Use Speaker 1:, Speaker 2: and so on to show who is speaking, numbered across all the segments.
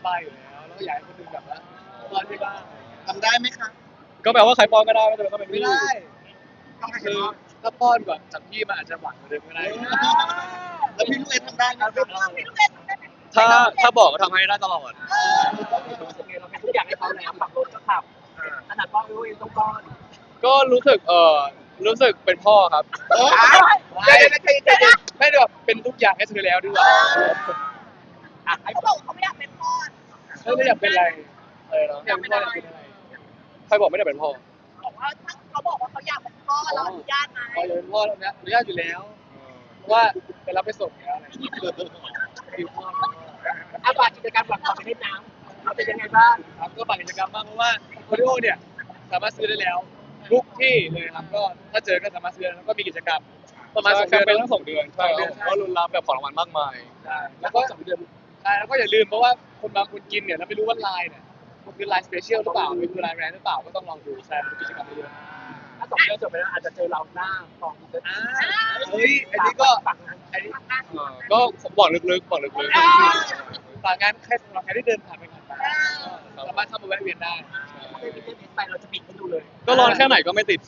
Speaker 1: บายอยู่แล้วแล้วก็อยากให้คนอื่นแบบว่าป้อนที่บ้าน
Speaker 2: ทำได้ไหมคะ
Speaker 3: ก็แปลว่าใครป้อนก็ได้ไม่จำเป็นต้องเป็น
Speaker 1: ไม่
Speaker 3: พี่
Speaker 1: ได้
Speaker 2: ต้องให้
Speaker 1: คื
Speaker 2: เห็น
Speaker 1: อ
Speaker 2: ว่า
Speaker 1: ถ้าป้อนแบบจากพี่มันอาจจะหวังกว่าเดิมก็ได้
Speaker 2: แล้วพี่ลูกเอ็ทำได้ไหมคะ
Speaker 4: พี่ลูกเล่นทำได้ไหม
Speaker 3: ถ้าบอกก็ทำให้ได้ตลอด
Speaker 5: รู้สึกไงเราเป็นทุกอย่างให้เขาแล้วขับรถก็ขับขนาดป้อนลูกเองต้องป้อน
Speaker 3: ก็รู้สึกเป็นพ่อครับ
Speaker 1: ไม่ไม่ได้แบบเป็นทุกอย่างให้เธอแล้วดีกว่า
Speaker 4: เขาบอกเขาไม่อยากเป็นพ่อ
Speaker 1: ไม่อยากเป็นอะไร
Speaker 3: อะไรนะ
Speaker 1: อยากเป็นอะไรเป็นอะไร
Speaker 3: ใครบอกไม่ได้เป็นพ่อ
Speaker 4: บอกว่าเขาบอกว่าเขาอยากเป็นพ่อเราอนุญาตไหม
Speaker 1: พอจะเป็นพ่อแล้วนะอนุญาตอยู่แล้วเพราะว่าไปรับไปส่งแล้วอะไรคือพ่อ
Speaker 5: อาบากิจกรรมหลังจากเล่นน้ำเราเป็นยังไงบ้าง
Speaker 1: ครับก็ฝากกิจกรรมมากเพราะว่าโคดิโอเนี่ยสามารถซื้อได้แล้วทุกที่เลยครับก็ถ้าเจอก็สามารถซื้อแล้วก็มีกิจกรรมประมาณ2
Speaker 3: ใช่
Speaker 1: เดือน
Speaker 3: ทั้ง2 เดือนใช่ครับผมก็ลุ้นรับแบบของรางวัลมากมาย
Speaker 1: แล้วก็2 เดือนใช่แล้วก็อย่าลืมเพราะว่าคนบางคนกินเนี่ยแล้วไม่รู้ว่าลายเนี่ยมันคือลายสเปเชียลหรือเปล่ามันคือลายแบรนด์หรือเปล่าก็ต้องลองดูใช่เป็นกิจกรรมเยอะ
Speaker 5: ถ้า2 เดือนจบไปแล้วอาจจะเจอเราหน้าฟองดู
Speaker 1: เฮ้ยอันนี้ก็
Speaker 5: ฝั่งนั้น
Speaker 1: อันนี้
Speaker 3: ก็บอกลึกๆ
Speaker 1: ฝากงานแค่สำหรับใครที่เดินผ่านไปผ่านมาสามารถเข้ามาแวะเวียนได้
Speaker 5: ไม่มีเรื่องไปเราจะปิดให้ดูเลย
Speaker 3: ก็ร้อนแค่ไหนก็ไม่ติด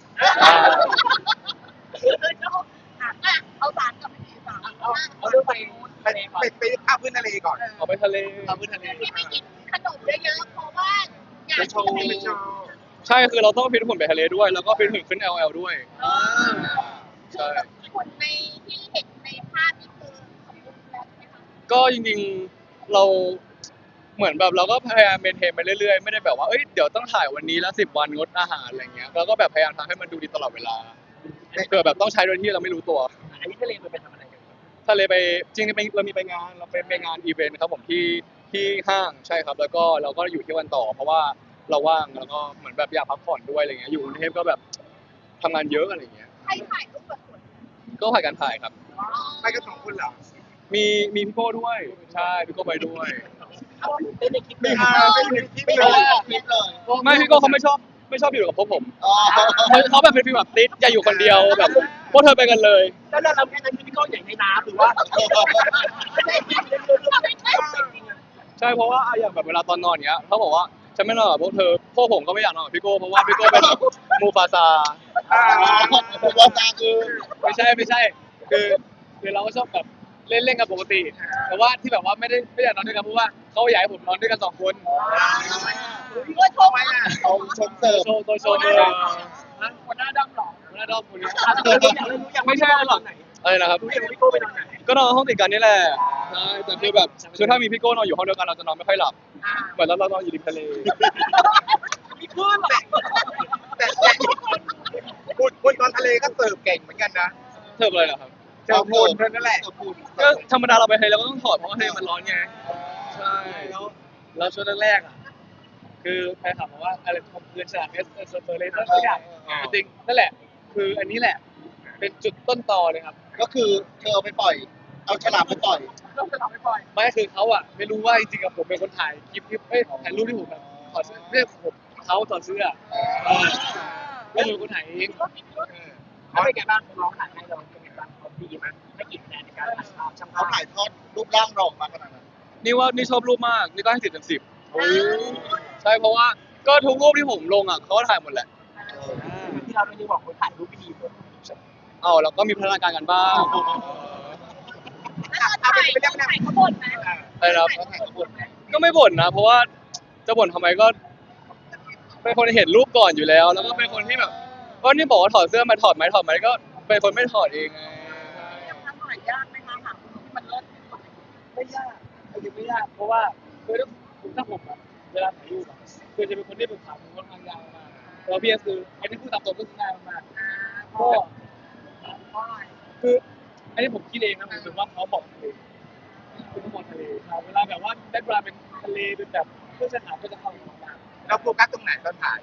Speaker 4: เอาสารกับไม่ดีสาร
Speaker 5: เอาเรื่องไป
Speaker 2: ไปภาพพื้นทะเลก่อน
Speaker 3: เอาไปทะเล
Speaker 1: เอาพื้นทะเล
Speaker 4: ที่ไม่กินขนมเยอะๆเพราะว่าอยาก
Speaker 2: ไปโชว์
Speaker 4: จะ
Speaker 2: ไป
Speaker 4: เป็น
Speaker 2: โชว์
Speaker 3: ใช่คือเราต้องฟิตหุ่นไปทะเลด้วย แล้วก็ฟิตหุ่นขึ้น LL ด้วย ใช่
Speaker 4: คนในที่เห็นในภาพนี่คือสมบูรณ์แล้วใช่ไหมคะ
Speaker 3: ก็จริงๆเราเหมือนแบบเราก็พยายามเมนเทนไปเรื่อยๆไม่ได้แบบว่าเอ้ยเดี๋ยวต้องถ่ายวันนี้แล้ว10 วันงดอาหารอะไรเงี้ยเราก็แบบพยายามทำให้มันดูดีตลอดเวลาเผื่อแบบต้องใช้โดยที่เราไม่รู้ตัว
Speaker 5: อันนี้ทะเลมันไปทำอะไรกัน
Speaker 3: ทะเลไปจริงๆเรามีไปงานเราไปงานอีเวนต์ครับผมที่ห้างใช่ครับแล้วก็เราก็อยู่ที่วันต่อ เพราะว่าเราว่างแล้วก็เหมือนแบบอยากพักผ่อนด้วยอะไรเงี้ยอยู่กรุงเทพก็แบบทำงานเยอะอะไรเงี้ย
Speaker 4: ใครถ่ายรูปแบบสวย
Speaker 3: ก็ผ่านการถ่ายครับ
Speaker 2: ไปกัน2 คนเหรอ
Speaker 3: มีพี่โก้ด้วยใช่พี่โก้ไปด้วย
Speaker 5: เต้นในคลิปเลย
Speaker 2: ไม่อยู่ในคลิปเลยคลิปเลย
Speaker 3: ไม่พี่โก้เขาไม่ชอบอยู่กับพวกผม
Speaker 2: อ๋อ
Speaker 3: เขาแบบเป็นฟีลแบบติดอย่าอยู่คนเดียวแบบพวกเธอไปกันเลย
Speaker 5: แล้วเราแค่นั้นพี่ก้องใหญ่ในน้ำหรือว่าไม่ได้จริงเลยจริงอ่ะ
Speaker 3: ใช่เพราะว่าอย่างแบบเวลาตอนนอนเงี้ยเขาบอกว่าฉันไม่นอนกับพวกเธอพวกผมก็ไม่อยากนอนกับพี่โก้เพราะว่าพี่โก้เป็นแบบมูฟาซา
Speaker 2: ผมว่าตาคือ
Speaker 1: ไม่ใช่คือเราก็ชอบแบบเล่นกันปกติ แต่ว่าที่แบบว่าไม่อยากนอนด้วยกันเพราะว่าเขาอยากให้ผมนอนด้วยกัน2 คน
Speaker 4: เพื่อโชว์
Speaker 2: ชมเสิร์ฟ
Speaker 1: โชว์เลยคนหน้าดำหรอคนหน้าดำคนนี้
Speaker 3: ไม่ใช่หรอกอะไรนะครับ
Speaker 5: รู้ยังพี่โก้ไปนอนไหน
Speaker 3: ก็นอนห้องติดกันนี่แหละใช่แต่คือแบบคือถ้ามีพี่โก้นอนอยู่ห้องเดียวกันเราจะนอนไม่ค่อยหลับเหมือนเรานอนอยู่ริมทะเล
Speaker 5: มีคลื่นหรอ
Speaker 2: แต่พูดตอนทะเลก็เสิร์ฟเก่งเหมือนกันนะ
Speaker 3: เทิร์ฟเลยเหรอครับ
Speaker 2: เสิร์ฟพูดนั่นแหละ
Speaker 3: ก็ธรรมดาเราไปทะเลเราก็ต้องถอดเพราะว่าทะเลมันร้อนไงใช่
Speaker 1: แล้วช่วงแรกๆอ่ะคือแฟนคลับบอกว่าอะไรคอมเพลนฉลาดเอสเฟอร์เรสทุกอย่างจริงนั่นแหละคืออันนี้แหละเป็นจุดต้นตอเลยครับ
Speaker 2: ก็คือเธอเอาไปปล่อย เอาฉลามไปปล่อย
Speaker 4: ต้องจะทำให้ปล่อย
Speaker 1: ไม่คือเขาอ่ะไม่รู้ว่าจริงๆกับผมเป็นคนถ่ายคลิปที่ถ่ายรูปที่ผมแบบถอดเสื้อไม่ใช่ผมเขาถอดเสื้อก็เป็นคนถ่ายเอง
Speaker 5: เขาเป็นไงบ้างน้องถ่ายให้เราเป็นไงบ้างเขาดีมั้ยไม่กี่คะแนนในการถ่ายภาพช่างภา
Speaker 2: เขา
Speaker 5: พ
Speaker 2: ถ่ายทอดรูปร่างเราออกมาขนาดนั้น
Speaker 3: นี่ชอบรูปมากนี่ก็ให้10/10ใช่เพราะว่าก็ทุกรูปที่ผมลงอ่ะเขาก็ถ่ายหมดแหละ
Speaker 5: ที่เราไม่ได้บอกคนถ่ายรูปไม่ดีเลย
Speaker 3: เอาแล้วก็มีพัฒนาการกันบ้าง
Speaker 4: แล้วเราถ่ายเขาบ่นไหม
Speaker 3: อะไรนะครับ
Speaker 2: เขาถ่ายขบวนไหม
Speaker 3: ก็ไม่บ่นนะเพราะว่าจะบ่นทำไมก็เป็นคนเห็นรูปก่อนอยู่แล้ว แล้วก็เป็นคนที่แบบก็นี่บอกว่าถอดเสื้อมาถอดไหมก็เป็นคนไม่ถอดเองไง
Speaker 4: ยังทำหน่อยยากไหมคะหาคนที่มันเลิศ
Speaker 1: ไม่ยากคือไม่ยากเพราะว่าคือถ้าผมอะเวลาถ่ายรูปอะคือจะเป็นคนที่เป็นขาผมค่อนข้างยาวมากแล้วพี่คืออันนี้พูดตามตรงก็คือง่ายมากก็คืออันนี้ผมคิดเองนะผมรู้สึกว่าเขาบอกทะเลคือเขาบอกทะเลเวลาแบบว่าได้เวลาเป็นทะเลเป็นแบบเพื่อนสถานก็จะเข้ามาบ้าง
Speaker 2: เราโฟกัสตรงไหนตอนถ่าย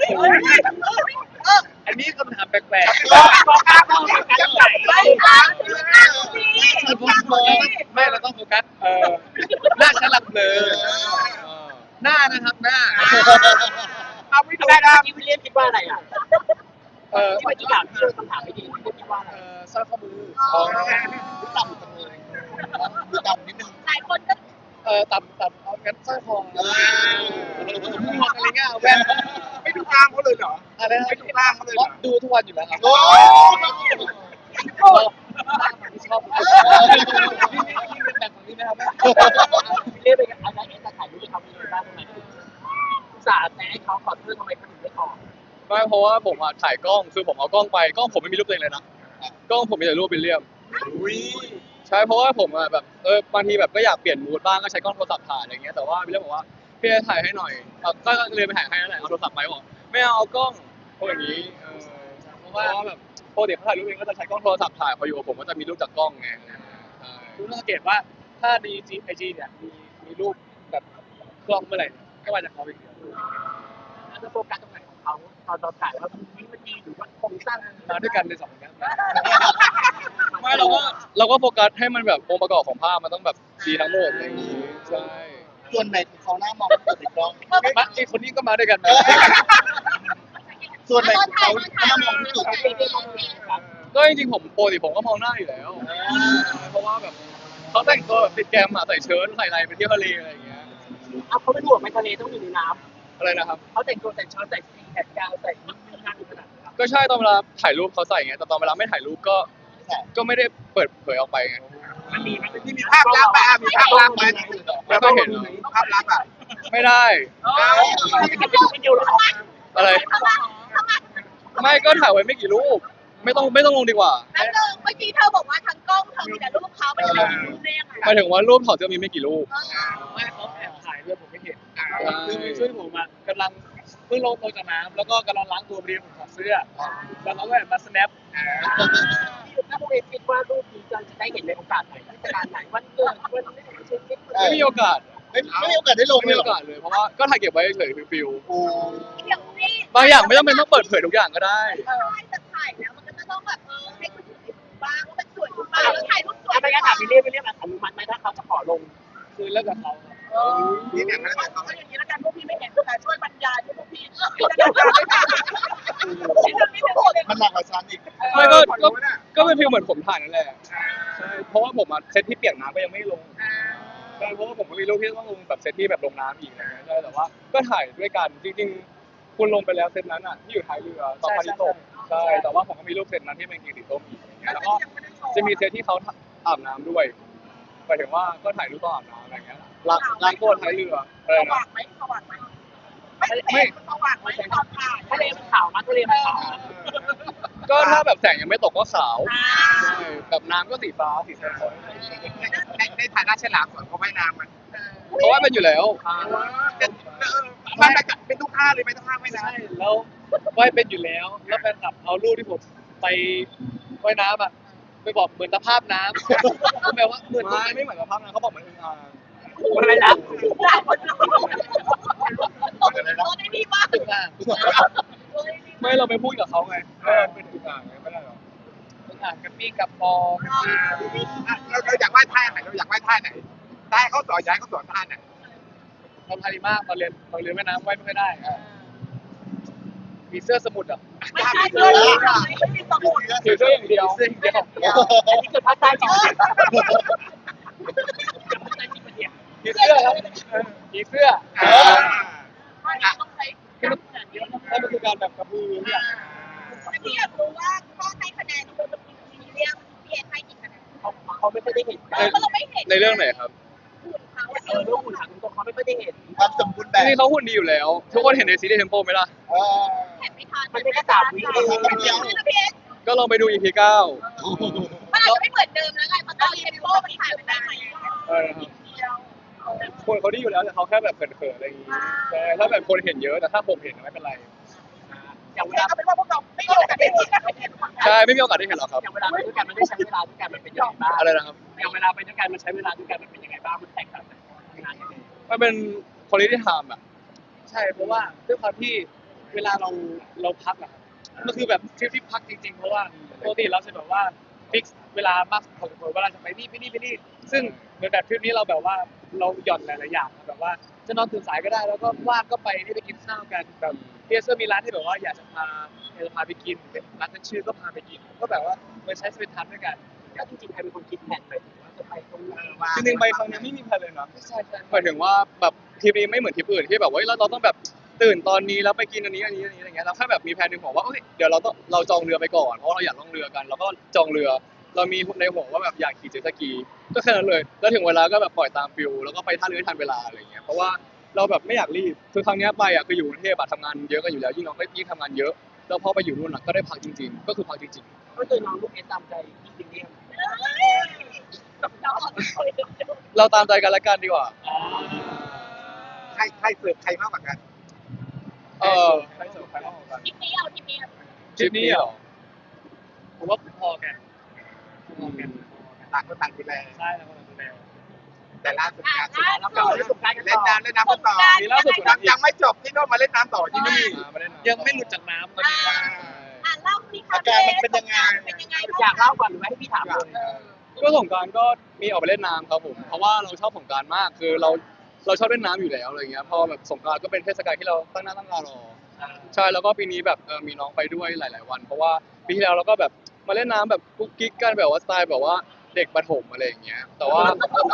Speaker 1: อันนี้คำถามแปลก
Speaker 5: บอกกล้าบอกกันไหน
Speaker 4: ไม่ค่ะ
Speaker 1: ๆไม่เราต้องโฟกัสหน้าฉันหลับเลยหน้านะครับหน้า
Speaker 5: เอาไม่ดูได้ที่วิลเลียมคิดว่าอะไรอ่ะที่เมื่อกี้ถามพี่คำถามไม่ดีพี่คิดว่าอะไร
Speaker 1: สร้อยข้อมือ
Speaker 2: ดูต่ำจังเลยดูต่ำนิดนึง
Speaker 4: หลายคนก็
Speaker 1: ต่ำเอางั้นสร้อยร้อยคอ
Speaker 2: เออ
Speaker 1: อะไรเงี้ยเอาแว่น
Speaker 2: ไม่ดูกล้ามเขาเลยเหรอ
Speaker 1: อะไรนะ
Speaker 2: ไม่ดูกล้ามเขาเลยเหรอ
Speaker 1: ดูทุกวันอยู่แล้วครับ
Speaker 2: โอ้
Speaker 1: ชอบที่ชอบนี่เป็นแบบของนี่ไหมครับ
Speaker 5: เรียกไปกันอะไรจะถ่ายรูปเขาเป็นยังไงบ้างทำไมอุตส่าห์แนะให้เขาขอโทษทำไมเขาถึงไม่ขอ
Speaker 3: ไม่เพราะว่าผมอะถ่ายกล้องคือผมเอากล้องไปกล้องผมไม่มีรูปตัวเองเลยนะกล้องผมมีแต่รูปวิลเลียม
Speaker 2: อุ้ย
Speaker 3: ใช่เพราะว่าผมอะแบบบางทีแบบก็อยากเปลี่ยนมูดบ้างก็ใช้กล้องโทรศัพท์ถ่ายอะไรเงี้ยแต่ว่าวิลเลียมบอกว่าพี่ถ่ายให้หน่อยก็เลยไปถ่ายให้นั่นแหละเอาโทรศัพท์ไปบอกไม่เอากล้องเพราะอย่างนี้เพราะว่าแบบปกติเขาถ่ายรูปเองก็จะใช้กล้องโทรศัพท์ถ่ายพออยู่กับผมก็จะมีรูปจากกล้องไงใช่
Speaker 1: คุณต้องสังเกตว่าถ้าในไอจีเนี่ยมีรูปแบบกล้องเมื่อไหร่ก็มาจากเขาอีก
Speaker 5: แล้วจะโฟกัสตรงไหนของเขาตอนเราถ่ายว่ามันดีหรือว่าโครงสร้าง
Speaker 1: มาด้วยกันในสองคนนั้น
Speaker 3: ไม่เราก็โฟกัสให้มันแบบองค์ประกอบของภาพมันต้องแบบดีทั้งหมดอะไรอย่างนี้ใช่
Speaker 2: ส่วนไหนของเขาหน้ามองเปิดในกล้อง
Speaker 1: มาไอคนนี้ก็มาด้วยกัน
Speaker 2: ส่วนไหนของเขาหน้ามองที่สุด
Speaker 3: ก็จริงๆผมปกติผมก็มองหน้าอยู่แล้วเพราะว่าแบบเขาแต่งตัวแบบติดแกรมอะใส่เชิ้ตใส่อะไรไปเที่ยวทะเลอะไรอย่างเงี้ย
Speaker 5: เอาเขาไปบวกไปทะเลต้องอยู่ในน้
Speaker 3: อะไรนะครับ
Speaker 5: ำเขาแต่งตัวแต่งช้อนใส่สีแขนยาวใส่นั่งขนาดนั้น
Speaker 3: ก็ใช่ตอนเวลาถ่ายรูปเขาใส่ไงแต่ตอนเวลาไม่ถ่ายรูปก็ไม่ได้เปิดเผยออกไปไง
Speaker 5: มันมี
Speaker 2: ที่มีภาพลักษณ์ไหมมีภาพลักษณ์ไหม
Speaker 3: ไม่เคยเห็นเหรอ
Speaker 2: ภาพลักษณ์อ่ะ
Speaker 3: ไม่ได้
Speaker 5: ไม่เดียวหรอ
Speaker 3: อะไรไม่ก็ถ่ายไว้ไม่กี่รูปไม่ต้องลงดีกว่า
Speaker 4: แล้วเมื่อกี้เธอบอกว่าทั้งกล้องเธอมีแต่รูปเขาไม่ได้รูปได้ยังไง
Speaker 3: หมายถึงว่ารูปถอดเสื้อมีไม่กี่รูป
Speaker 1: ไม่เขาแอบถ่ายด้วยผมไม่เห็นคือช่วยผมอ่ะกำลังเพิ่งลงจากน้ำแล้วก็กำลังล้างตัวพอดีผมถอดเสื้อแล้วเขาก็แบบมาสแนป
Speaker 5: ถ้าพวกเอคิดว่ารูปนี้จะได้เห็นในโอกาสไหนเทศกาลไหนวันเกิดวันเช่นนี้
Speaker 3: ไม่มีโอกาส
Speaker 2: ไม่มีโอกาสได้ลง
Speaker 3: ไม่
Speaker 2: เล
Speaker 3: มี
Speaker 2: ย
Speaker 3: โอกาสเลยเพราะว่าก็ถ่ายเก็บไว้เฉยๆฟิล
Speaker 2: โอ้
Speaker 4: เดี๋ยวนี่
Speaker 3: ๆบางอย่างไม่จำเป็นต้องเปิดเผยทุกอย่างก็ได้
Speaker 4: จะถ่ายแล้วมันก็จะต้องแบบให้คนอื่นดูบ้างว่ามันสวยหรือเปล่าแล้วถ่ายรูปสวย
Speaker 5: ถ้าไม่งั้นถามไปเรียกอนุมัติไหมถ้าเขาจะขอลง
Speaker 1: คือเลิกกับเขา
Speaker 2: นี่เนี่ยมันจะ
Speaker 4: เอาอย่างนี้แล้วกันพวกพี่ไม่เห็นแต่ช่วยบรรยายให้พวกพี่จะได้ไม่ทันนี่มันไม่หมดเลย
Speaker 2: มันหนักกว่าฉันอีก
Speaker 3: ไม่ก็เป็นฟีลเหมือนผมถ่ายนั่นแหละใช่เพราะว่าผมอะเซตที่เปียกน้ำก็ยังไม่ลงใช่เพราะว่าผมก็มีรูปที่ต้องลงแบบเซตที่แบบลงน้ำอีกอะไรเงี้ยใช่แต่ว่าก็ถ่ายด้วยกันจริงๆคุณลงไปแล้วเซตนั้นอ่ะที่อยู่ท้ายเรือตอนพายุตกใช่แต่ว่าผมก็มีรูปเซตนั้นที่เป็นกีสีส้มอีกอะไรเงี้ยแล้วก็จะมีเซตที่เขาอาบน้ำด้วยหมายถึงว่าก็ถ่ายรูปตอนอาบน้ำอะไรเงี้ยล้างตัวท้ายเรืออะไร
Speaker 4: ส
Speaker 3: นะ
Speaker 4: ว่างไหมสว่างไหมไม่สว่างไหมตอนถ่าย
Speaker 5: ทะเลมันขาวมั้ยทะเลมันขาว
Speaker 3: ก็ถ้าแบบแสงยังไม่ตกก็ขาวใช่แบบน้ำก็สีฟ้าสีส้ม
Speaker 2: ในฐานะฉลามส่วนเขาว่ายน้ำมัน
Speaker 3: เพราะว่าเป็นอยู่แล้ว
Speaker 2: มันเป็นทุกท่าเลยไม่ต้องท่าไม่ได้
Speaker 1: ใช่แล้วว่ายเป็นอยู่แล้วแล้วแฟนคลับเอารูปที่ผมไปว่ายน้ำอ่ะไปบอกเหมือนตะภาพน้ำก็แปลว่าเหมือน
Speaker 3: ไม่เหมือนกับภาพนั้นเขาบอกเหมือนอึ่งอ่าง
Speaker 5: อะไรนะ
Speaker 4: ตกในนี่บ้าง
Speaker 1: ตึกอ่าง
Speaker 3: ไม่เราไปพูดกับเขาไงเป็นอึ่งอ่างไงไม่ได้หรอ
Speaker 1: ตึกอ่างกับปี้กับปอ
Speaker 2: เราอยากว่ายท่าไหนเราอยากว่ายท่าไหนได้เขาสอนย้ายเขาสอนท่าไหน
Speaker 1: ทำพาริมากตอนเรียนว่ายน้ำว่ายไม่ค่อยได้มีเสื้อสมุดอ่ะ
Speaker 4: ไม่ใช่เลยไม่มีสมุด
Speaker 3: ถือเสื้ออย่างเดียว
Speaker 1: เสื้ออย่างเดียว
Speaker 5: อันนี้คือภาคใต้จริง
Speaker 1: มีเสื้อครับมีเสื้อ
Speaker 4: ต้องใช้
Speaker 1: ที่มันมันคือการแบบกระพือเนี่ย
Speaker 4: แต่พี่อยากรู้ว่าข้อให้คะแนนคุณจะมีเรียกพี่เอ็นให้กี่คะแนน
Speaker 5: เขาไม่ค่อยได้เห็น
Speaker 4: เพราะเราไม่เห็น
Speaker 3: ในเรื่องไหนครับ
Speaker 4: หุ่นเขา
Speaker 5: เรื่องหุ่นถามตรงเขาไม่ค่อยได้เห็น
Speaker 2: ความสมบูรณ์แบ
Speaker 3: จ
Speaker 2: บ
Speaker 3: ริงๆเขาหุ่นดีอยู่แล้ว ทุกคนเห็นในซีรีส์เทมโปไหมล่ะ
Speaker 4: เห็นไม่ทัน
Speaker 5: มันไม่ได้ตามวิ
Speaker 4: พี่เอ็น
Speaker 3: ก็ลองไปดู EP 9
Speaker 4: มันอาจจะไม่เหมือนเดิมแล้วไงเพราะตอนเทมโปมันถ่ายไปได้ไหม
Speaker 3: คนเขาดีอยู่แล้วแต่เขาแค่แบบเขินๆอะไรอย่างงี้ใช่ถ้าแบบคนเห็นเยอะแต่ถ้าผมเห็นไม่เป็นไร
Speaker 5: อย่างเว
Speaker 4: แต่
Speaker 5: ลา
Speaker 4: ก็เป็นว่าพวกเราไม่มีโอกาสได้เห็น
Speaker 3: ใช่ไม่มีโอกาสได้เห็นหรอกครับ
Speaker 5: อย่างเวลาไปด้วยกันมันได้ใช้เวลาด้วยกันมันเป็นยังไงบ้าง
Speaker 3: อะไรนะครับ
Speaker 5: อย่างเวลาไปด้วยกันมันใช้เวลาด้วยกันมันเป็นยังไงบ้างมันแตกต่างจากงานยังไง
Speaker 3: มันเป็น quality time อ่ะ
Speaker 1: ใช่เพราะว่าด้วยความที่เวลาเราพักอะมันคือแบบทริปที่พักจริงๆเพราะว่าปกติเราจะแบบว่าฟิกเวลามากพอสมควรว่าเราจะไปนี่ซึ่งเหมือนแบบทริปนี้เราแบบว่าเราหย่อนหลายๆอย่างแบบว่าจะนอนตื่นสายก็ได้แล้วก็ว่างก็ไปนี่ไปกินข้าวกันแบบเพียเซอร์มีร้านที่แบบว่าอยากจะพาไปกินเป็นร้านตั้งชื่อก็พาไปกินก็แบบว่าเหมือนใช้สเปนทันด้วยกัน
Speaker 5: แล้วจริงๆใครเป็นคนคิดแผนไปว่าจะไปตรงไหน
Speaker 3: จริงๆไปครั้งนี้ไม่มีแพลนเลยนะ
Speaker 1: ใช่ใช่
Speaker 3: หมายถึงว่าแบบทริปนี้ไม่เหมือนทริปอื่นที่แบบว่าเราต้องแบบตื่นตอนนี้แล้วไปกินอันนี้อะไรเงี้ยเราแค่แบบมีแพลนหนึ่งหัวว่าโอเคเดี๋ยวเราจองเรือไปก่อนเพราะเราอยากล่องเรือกันเราก็จองเรือ เรามีในหัวว่าแบบอยากขี่เจ็ตสกีก็แค่นั้นเลยแล้วถึงเวลาก็แบบปล่อยตามฟิลแล้วก็ไปท่าเรือให้ทันเวลาอะไรเงี้ยเพราะว่าเราแบบไม่อยากรีบคือครั้งนี้ไปอ่ะคืออยู่กรุงเทพอะทำงานเยอะกันอยู่แล้วยิ่งเราก็ยิ่งทำงานเยอะแล้วพอไปอยู่นู่นอะก็ได้พักจริงๆก็คือพักจริง
Speaker 5: ก็คือน้องลูกเอสตามใจพี่จริงเนี่ย
Speaker 3: ๆเราตามใจกันละกันดีกว่า
Speaker 2: ใครเสิร์ฟใครมากกว่ากัน
Speaker 3: ใครเสิร์ฟใครมากกว่ากัน
Speaker 4: ทริปนี้เอาทริปนี้
Speaker 3: ทริปนี้เหรอ
Speaker 1: ผมว่าพอกันพอกัน
Speaker 2: ต่างคนต่างดูแล
Speaker 1: ใช่แล้วก็ดูแล
Speaker 2: แต่ล่าสุดงานสุด
Speaker 5: แล้วกลับมาเล่นสงกรานต์กัน
Speaker 2: เล่น
Speaker 5: ต่อ
Speaker 2: น้ำเล่นน้ำกันต่อ
Speaker 3: มีล่าสุดกว่านั้นอี
Speaker 2: ยั
Speaker 3: ก
Speaker 2: งไม่จบที่โน่นมาเล่นน้ำต่อที่นี่
Speaker 3: มาได้นาน
Speaker 1: ยังไม่หลุดจากน้ำตอนนี้
Speaker 4: เล่าสิคะ
Speaker 2: อาการมันเป็นยังไง
Speaker 4: เป็นยังไง
Speaker 5: อยากเล่าก่อนหรือว่าให้พี่ถามเลย
Speaker 3: ก็สงกรานต์ก็มีออกไปเล่นน้ำครับผมเพราะว่าเราชอบสงกรานต์มากคือเราชอบเล่นน้ำอยู่แล้วอะไรเงี้ยพอแบบสงกรานต์ก็เป็นเทศกาลที่เราตั้งหน้าตั้งตารอใช่แล้วก็ปีนี้แบบมีน้องไปด้วยหลาย ๆ วัน เพราะว่าปีที่แล้วเราก็แบบมาเล่นน้ำแบบกุ๊กกิ๊กกันแบบว่าสไตล์แบบว่าเด็กประถมอะไรอย่างเงี้ยแต่ว่า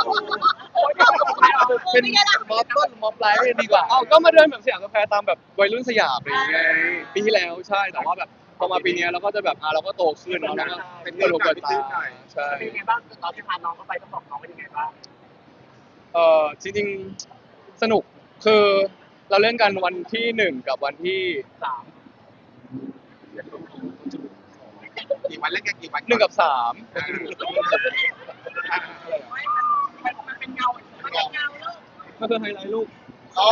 Speaker 1: เป็นมอต้นมอปลายดีกว่า
Speaker 3: เอ้าก็มาเดินแบบสยามสแควร์ตามแบบวัยรุ่นสยามอะไรอย่างเงี้ยปีที่แล้วใช่แต่ว่าแบบพอมาปีนี้เราก็จะแบบเราก็โตขึ้นแล้วก็เป็นตัวเปิดตาใช่
Speaker 5: เป็นยังไงบ้างตอนที่พาน้องเข้าไปต้องบอกน้องเป็นยังไงบ้าง
Speaker 3: จริงๆสนุกคือเราเล่นกันวันที่1กับวันที่
Speaker 5: สาม
Speaker 2: กี่วันเล่นกันกี่วัน
Speaker 3: 1กับ3
Speaker 4: มันเป็นเงามันเป็นเงาลูก
Speaker 3: ก็คือไฮไลท์ลูก
Speaker 2: อ๋อ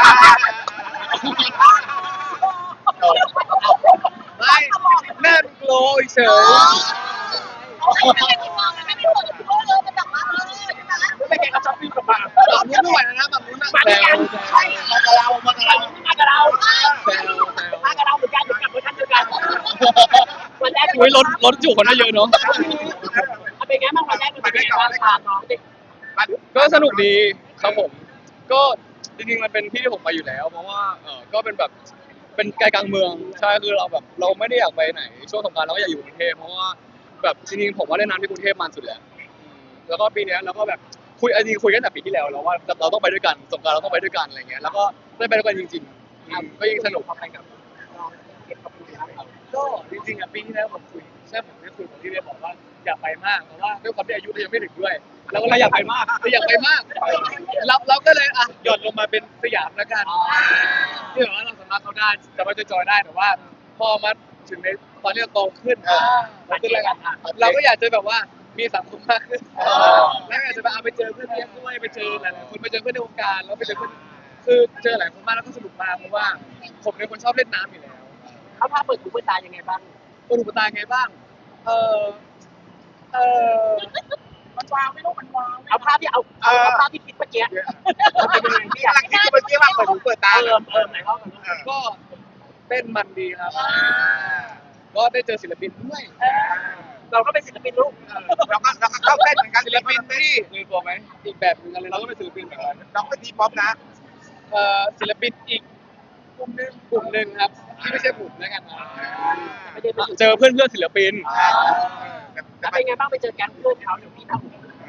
Speaker 1: ไม่หน้าโกลเฉย
Speaker 4: ไม่ได้มองไม่ได้เปิดโลเลยมันแบบว่าใช่ไหม
Speaker 5: ไม่แกก็ช้อปปิ้งกับมา
Speaker 1: แบบนู้นไม่ไหวแล้วนะแบบนู้นนะ
Speaker 5: มาด้วยกันใช่มากับเรามากับเรามากับเรา
Speaker 3: แซว
Speaker 5: มากับเราเหมือนกันอยู่กับเวอร์ชันเดียวกันวันแรก
Speaker 3: อุ้ยรถจุคนได้เยอะเนาะ
Speaker 5: เป็นไงบ้างวันแรกเป็นไงบ้างพาน้องเด็ก
Speaker 3: ก็สนุกดีครับผม ก็จริงๆมันเป็นที่ที่ผมไปอยู่แล้ว เพราะว่าก็เป็นแบบเป็นไกลกลางเมืองใช่คือเราแบบเราไม่ได้อยากไปไหนช่วงสงกรานต์เราก็อยากอยู่กรุงเทพเพราะว่าแบบจริงๆผมว่าเล่นน้ำที่กรุงเทพมันสุดแล้วแล้วก็ปีนี้เราก็แบบจริงคุยกันแต่ปีที่แล้วแล้วว่าเราต้องไปด้วยกันสงกรานต์เราต้องไปด้วยกันอะไรเงี้ยแล้วก็ได้ไปด้วยกันจริงๆก็ยิ่งสนุก
Speaker 5: เข้าไปกับน้องเก็บกับพี่ครับ
Speaker 1: ก็จริงๆอ่ะปีที่แล้วผมคุยใช่ผมได้คุยกับที่เรียนบอกว่าอยากไปมากแต่ว่าด้วยความที่อายุเรายังไม่ถึงด้วยเราก็เลยอยากไปมากเราอยากไปมากเราก็เลยหย่อนลงมาเป็นสยามแล้วกันที่แบบว่าเราสามารถเข้าได้สามารถจะจอยได้แต่ว่าพอมาถึงในตอนที่เราโตขึ้นเราขึ้นแล้วกันเราก็อยากจะแบบว่ามีสังคมมากขึ้นแล้วอยากจะไปเจอเพื่อนเลี้ยงด้วยไปเจอหลายๆคนไปเจอเพื่อนในวงการแล้วไปเจอเพื่อนคือเจอหลายคนมากแล้วก็สนุกมากเพราะว่าผมเป็นคนชอบเล่นน้ำอยู่แล้ว
Speaker 5: เขาพาเปิดหูเปิดตายังไงบ้าง
Speaker 1: อุปตาไงบ้าง เออ
Speaker 4: มันวางไม่รู้มันวาง
Speaker 5: เอาภาพที่เอาภาพที่คิดเมื่อกี้เป็นยังไงพี่
Speaker 2: ที่
Speaker 5: อยาก
Speaker 2: กำลังคิดเมื่อกี้ว่าเปิดหูเปิดตา
Speaker 5: ไหนเล่ากัน
Speaker 1: ก็เต้นมันดีครับ ก็ได้เจอศิลปินด้วย
Speaker 5: เราก็เป็นศิลปินลูก
Speaker 2: เราก็เข้าเต้นเหมือนกัน
Speaker 1: ศิลปินที่ลืมตัวไหมอีกแบบหนึงกันเลยเราก็เป็นศิลปินแบบนั้น
Speaker 2: เราก็ทีป๊อปนะ
Speaker 1: ศิลปินอีกกลุ่มหนึ่งครับ ที่ไม่ใช่ผมแล้วกันนะ
Speaker 5: ไม่ได้ไปอยู่
Speaker 3: เจอเพื่อนศิลปิน
Speaker 5: แล้วเป็นไงบ้างไปเจอแก๊งเพื่อนเขาเดี๋ยวพี่ทำ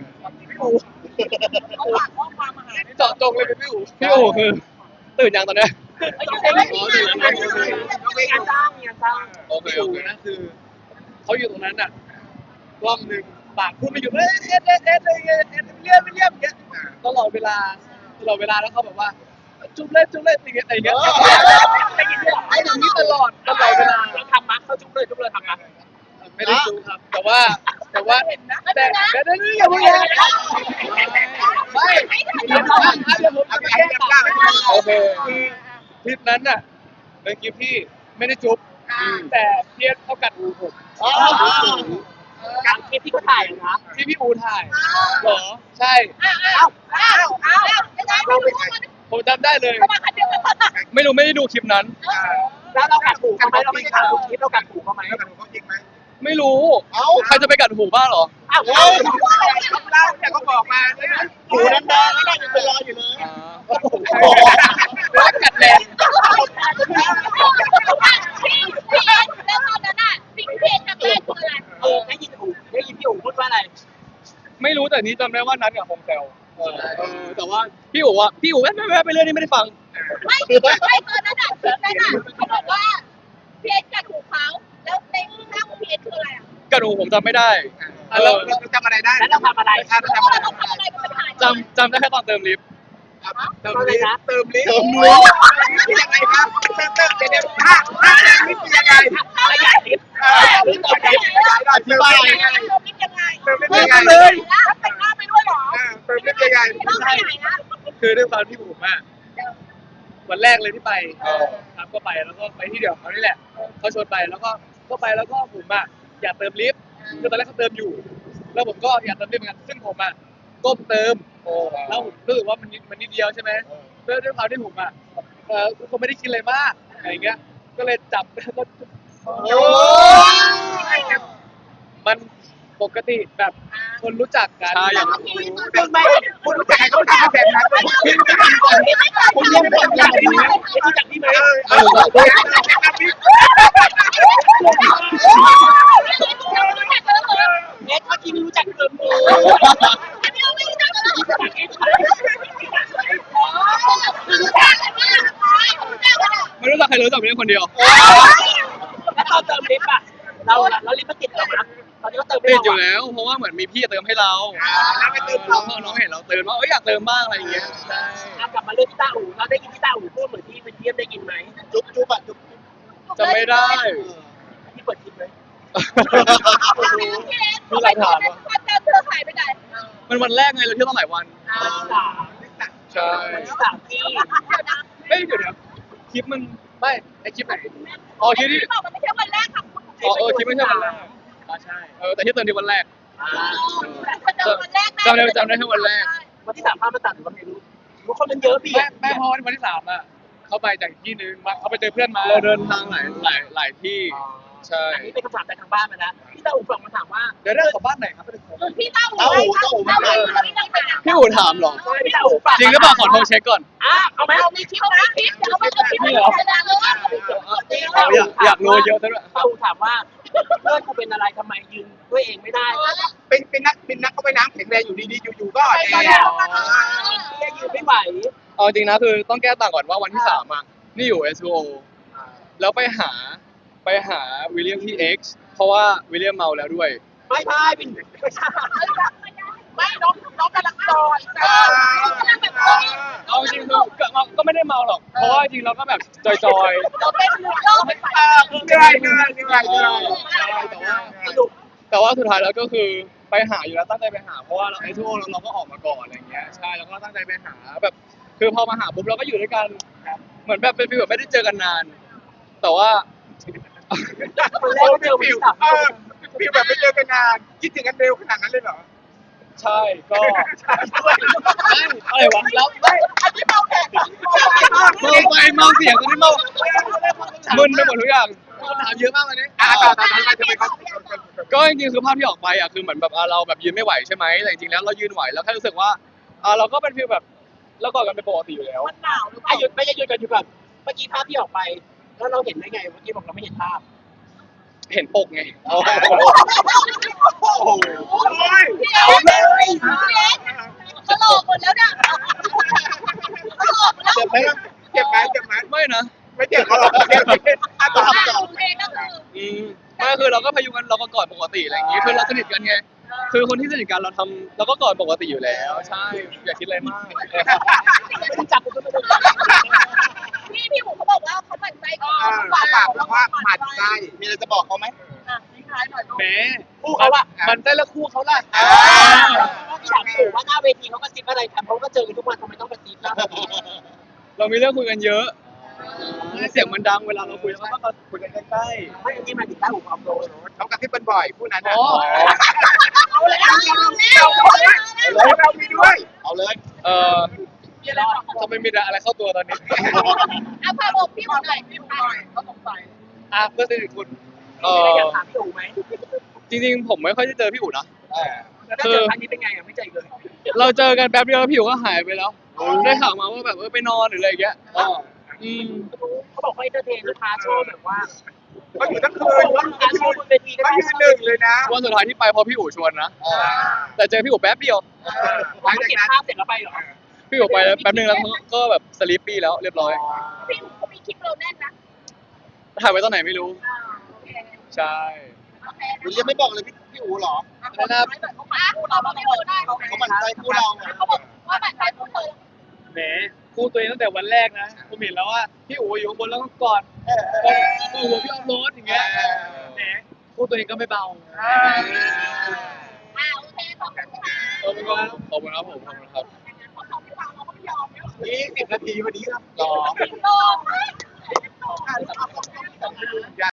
Speaker 4: เขาฝากข้อความมาหา
Speaker 1: เจาะจงเลยเป็นพี่อู๋
Speaker 3: พี่โอคือตื่นยังตอนเนี้ย
Speaker 5: มีงานจ้างมีงานจ้าง
Speaker 3: โอเค
Speaker 1: พี่
Speaker 3: โอ
Speaker 1: อู๋
Speaker 3: เค
Speaker 1: นะคือเขาอยู่ตรงนั้นอ่ะกล้องหนึ่งปากพูดไม่หยุดเลี่ยมเงี้ยตลอดเวลาแล้วเขาแบบว่าจุ๊บเล่นอย่างเงี้ยไอ้อย่างนี้ตลอดเวลา
Speaker 5: เราทำมักเขาจุ๊บเลยทำมัก
Speaker 1: ไม่ได้จูครับ แต่ว่าเห็นนะแต่อย่าพูดเลยไม่เดี๋ยวผมจะแก้ต่างโอเคคลิปนั้นน่ะเป็นคลิปที่ไม่ได้จุ๊บแต่เพี้ยนเขากัดหูผม
Speaker 5: การคลิปที่เขาถ่ายนะ
Speaker 1: ที่พี่อูถ่ายเหรอใช่
Speaker 2: เราเป็นไง
Speaker 1: ผมจำได้เลย
Speaker 3: ไม่ได้ดูคลิปนั้น
Speaker 5: แล้วเรากัดหูเขาไหมเราไม่ได้ทำคลิปเรากัดหูเขาไหม
Speaker 2: แล้วกันเขาจริงไหม
Speaker 3: ไม่รู้ใครจะไปกัดหูบ้างเหรอ
Speaker 5: อ้าว
Speaker 2: เล่าเนี่ยเขาบอกมาใช่ไหมหูแดงๆแล้วยังเป็นรอยอยู่เลย
Speaker 1: แล้วกัดแรง
Speaker 4: แล้วตอนนั้นอ่ะสิ่งที่ทำได้คืออะไร
Speaker 5: ได้ยินพี่อู๋พูดว่าอะไร
Speaker 3: ไม่รู้แต่จนี้จำได้ว่านัดกับคงแซวแต่ว่าพี่อู๋แวะไปเรื่อยนี่ไม่ได้ฟัง
Speaker 4: ไม่ตอนนั้นเขาบอกว่าพีเอสกัดหูเขาแล้วในหน้าของพีเอสคืออะไรอ่ะ
Speaker 3: กระดูผมจำไม่ได้
Speaker 2: เราจำอะไรได้
Speaker 5: แล้วเราทำอะไร
Speaker 2: เรา
Speaker 4: เพราะ
Speaker 2: จำ
Speaker 4: ว่า
Speaker 2: อะไร
Speaker 4: เราทำอะไรมันเป็นหาย
Speaker 3: จำได้แค่ตอนเติมลิฟต์
Speaker 2: เติมลิฟต์เติมลิฟต์คือยังไงครับเติมเดี๋ยวถ้าเติมลิฟต์คือยังไง
Speaker 5: ขยายลิฟต์
Speaker 2: ลิฟต์ต่อไปอธิบายยังไง
Speaker 4: เราคิดยังไง
Speaker 2: เติมลิฟต์ยังไง
Speaker 4: แล้วแต่งหน้าไปด้วยเหรอ
Speaker 2: เติมลิฟต์ยังไง
Speaker 4: ต้องไปไหนนะ
Speaker 1: คือด้วยความที่ผมวันแรกเลยที่ไปครับก็ไปแล้วก็ไปที่เดียวเขานี่แหละเขาชวนไปแล้วก็ไปแล้วก็ผมอยากเติมลิฟต์คือตอนแรกเขาเติมอยู่ แล้วผมก็อยากเติมลิฟต์เหมือนกันซึ่งผมก้มเติมแล้วผมรู้สึกว่ามันนิดเดียวใช่ไหมด้วยความที่ผมผมไม่ได้คิดอะไรมากอะไรเงี้ยก็เลยจับแล้วก็มันปกติแบบคนรู้จักกัน
Speaker 3: ใช่อย่าง
Speaker 2: คุณรู้จักใครก็ทำแบบนั้นพี่รู้จัก
Speaker 5: คุณยังเป็นอย่างนี้ไหมรู้จักพี่ไหม เน็ตเมื่อกี้ไม่รู้จักเติมมือ
Speaker 3: ไม่รู้จักใครรู้จักพี่คนเดียว
Speaker 5: แล้วตอนเติมลิฟต์อ่ะเราลิฟต์มันติดเราไหมตอนนี้ก็เติมไม่
Speaker 3: ติด
Speaker 5: เรา
Speaker 3: อยู่แล้วเพราะว่าเหมือนมีพี่เติมให้เรา
Speaker 2: แล้วไปเติม
Speaker 3: แล้วน้องเห็นเราเติมว่าอยากเติมบ้างอะไรอย่างเงี้ยใช่
Speaker 5: กลับมาเรื่องพี่ต้าอู๋เราได้ยินพี่ต้าอู๋พูดเหมือนที่เป็นเทียมได้ยินไหมจุ๊บอ่ะจุ๊บ
Speaker 3: จำไม่ได้
Speaker 5: ที่เปิดคลิปเลย
Speaker 3: มีหลายถาม
Speaker 4: ความจำเธอหายไปไหน
Speaker 3: มันวันแรกไงเราเที่ยวตั้งหลายวัน
Speaker 5: วันที่สาม
Speaker 3: ใช่
Speaker 5: วันที่สามที่
Speaker 3: เฮ้ยเดี๋ยวคลิปมันไม่ไอคลิปไหนอ๋อคลิปที่
Speaker 4: บอกมันไม่ใช่วันแรกค่ะคุณ
Speaker 3: คลิปไม่ใช่วันแรก
Speaker 1: ใช่
Speaker 3: แต่ที่เติมที่วันแรก
Speaker 4: วันแรก
Speaker 3: จำได้แค่วันแรก
Speaker 5: วันที่สามภาพมาตัดหรือว่าไม่รู้รู้คนมันเยอะพี่
Speaker 1: แม่พอวันที่3เขาไปจากที่นึงเขาไปเจอเพื่อนมา
Speaker 3: เราเดินทางหลายที่ใช่
Speaker 5: อันนี้เป็นคำถามจากทางบ้านมานะพี่ต้าอู๋ฝากมาถามว่า
Speaker 1: เดี๋ยวเรื่องของบ้านไหนครับ
Speaker 4: พี่เต้าหู
Speaker 3: พี่อู๋ถามเหรอ
Speaker 5: พี่ต้าอู๋ฝาก
Speaker 3: จริงหรือเปล่าขอโทรเช็คก่อน
Speaker 5: เอาไหม
Speaker 4: เรามีคลิปนะคลิปเดี๋ยวเราเอาคลิปเลย
Speaker 3: อยากรู้เยอะซะด้วย
Speaker 5: ต้าอู๋ถามว่าเพื่อนกูเป็นอะไรทำไมยืนด้วยเองไม่ได้
Speaker 2: เป็นนักเข้าไปน้ำแข็งแรงอยู่ดีๆอยู่ๆก็แอ
Speaker 5: พี่ยืนไม่ไหว
Speaker 3: เอาจริงนะคือต้องแก้ต่างก่อนว่าวันที่3นี่อยู่ SO แล้วไปหาวิลเลียมที่ X เพราะว่าวิลเลียมเมาแล้วด้วย
Speaker 5: ไม่ใช่เป็นไม่ใช่
Speaker 4: ไม่น้องกำลังซอยกำลังแบบ
Speaker 3: เอาจริงก็ไม่ได้เมาหรอก เพราะว่าจริงเราก็แบบจอย
Speaker 4: เราเป็นเราไม่ไป
Speaker 2: เหนื่อย
Speaker 3: แต่ว่าสุดท้ายแล้วก็คือไปหาอยู่แล้วตั้งใจไปหาเพราะว่าเรา SO เราก็ออกมาก่อนอะไรอย่างเงี้ยใช่แล้วก็ตั้งใจไปหาแบบคือพอมาหาปุ๊บเราก็อยู่ด้วยกันเหมือนแบบเป็นฟีลแบบไม่ได้เจอกันนาน แต่ว่า
Speaker 5: คนแรกก็เจอวันที่สาม
Speaker 2: พี่แบบไม่เจอกันนานคิดถึงกันเร็วขนาดนั้นเลยเหรอ
Speaker 3: ใช่ก็อะไรวะแล้ว
Speaker 4: อันนี้เราแข่ง
Speaker 3: เมาเสียงตอนนี้เมามึนไปหมดทุกอย่างคำถามเยอะมากเลยนี่
Speaker 2: ต่อทำไมเขา
Speaker 3: ก็จริงๆคือภาพที่ออกไปคือเหมือนแบบเราแบบยืนไม่ไหวใช่ไหมแต่จริงๆแล้วเรายืนไหวแล้วแค่รู้สึกว่าเราก็เป็นฟีลแบบเรากอดกันเป็นปกติอยู่แล้ว
Speaker 4: มันหนาวหรือเป
Speaker 5: ไอ้
Speaker 4: ล่า
Speaker 5: หยุดไม่ใช่หยุดกันอยู่แบบเมื่อกี้ภาพที่ออกไป แล้วเราเห็นได้ไงเมื่อกี้บอกเราไม่เห็นภาพ
Speaker 3: เห็นปกไง
Speaker 2: โอ้โห
Speaker 4: พี่เอ๊ตลกหมดแล้วเนี่ยตลกแล้ว
Speaker 2: เจ็บไหมเจ็บไหม
Speaker 3: ไม่นะ
Speaker 2: ไม่เจ็บเขาหรอกเจ็บต่อ
Speaker 4: เพลงก็คือ
Speaker 3: ไม่คือเราก็พยุงกันเราก็กอดปกติอะไรอย่างงี้คือเราสนิทกันไงคือคนที่สนิทกันเราก็กอดปกติอยู่แล้ว ใช่อย่าคิดอะไรมาก
Speaker 5: ไม่ได้จับกูก็ไม่ได้
Speaker 4: พี่หมูเขาบอกว่าเขาหมั่นใจก่อน
Speaker 2: ฝากว่าหมัดใจมีอะไรจะบอกเขาไหม
Speaker 4: ทิ้งท้ายหน่อย
Speaker 1: แหม
Speaker 5: คู่เขาอะ
Speaker 1: มันได้ละคู่เขาล่ะ
Speaker 5: ถามอยู่ว่าหน้าเวทีเขาก็ซิบอะไรกันเขาก็เจอกันทุกวันทำไมต้องกระซิบหน้าเวที
Speaker 3: เรามีเรื่องคุยกันเยอะเสียงมันดังเวลาเราคุยแล้วก็คุยกันใกล้
Speaker 5: ไม่อันนี้มาถึงต้าหูความโดน
Speaker 2: เขากระซิบกันบ่อยผู้นั้น
Speaker 3: ๆ
Speaker 2: นะ
Speaker 3: อ๋อ
Speaker 4: เอาเลยเอาเลย
Speaker 2: เรามีด้วย
Speaker 3: เอาเลยทำไมมีอะไรเข้าตัวตอนนี้
Speaker 4: เอาพาบอกพี่หมูหน่อยพี่หมูหน่อยเขาสงสัย
Speaker 3: เพื่อนสนิทคุณ
Speaker 5: มีอะไรอยากถามพี่อู๋ไหม
Speaker 3: จริงๆผมไม่ค่อยได้เจอพี่อู๋นะ
Speaker 5: แล้วเจอครั้งนี้เป็นไงอ่ะไม่ใจเลย
Speaker 3: เราเจอกันแป๊บเดียวแล้วพี่อู๋ก็หายไปแล้ว ได้ข่าวมาว่าแบบไปนอนหรืออะไรอย่างเงี้ยอืม
Speaker 5: เขาบอกว่าเอนเตอร์เทนลูกค้าชอบแบบว่า
Speaker 2: ก็อยู่ทั้งคืนก็ยืนหนึ่งเลยนะ
Speaker 3: วันสุดท้ายที่ไปเพราะพี่อู๋ชวนนะแต่เจอพี่อู๋แป๊บเดียว
Speaker 2: หลัง
Speaker 5: เขา
Speaker 2: จาก
Speaker 5: เก็บ
Speaker 2: นั้น
Speaker 5: ภาพเสร็จแล้วไปเหรอ
Speaker 3: พี่อู๋ไปแล้วแป๊บนึงแล้วเขาก็แบบสลิปปี้แล้วเรียบร้อย
Speaker 4: พี่เขามีคลิปเราแน่นนะ
Speaker 3: ถ่ายไว้ตอนไหนไม่รู้
Speaker 4: โอเค
Speaker 3: ใช่
Speaker 4: โอเค
Speaker 2: คุณยังไม่บอกเลยพี่อู๋หรอ
Speaker 4: นะครับเราไม่รู้ได้
Speaker 2: เขาหมั่นใจคู่เราไง
Speaker 4: เขาบอกว่าแบบใครพูดเธอ
Speaker 1: แหมคู่ตัวเองตั้งแต่วันแรกนะผมเห็นแล้วว่าพี่อู๋อยู่ข้างบนแล้วก็กอดก็หัวพี่ออฟโรดอย่างเงี้ยแหมคู่ตัวเองก็ไม่เบา
Speaker 4: โอเคขอบคุณค่ะ
Speaker 3: ขอบคุณครับขอบคุณครับผมขอบคุณครับ
Speaker 4: ขอบคุณค่ะเราก็ไม่ยอม
Speaker 2: 20 นาทีวันนี้ครับ
Speaker 3: รอ
Speaker 4: รอ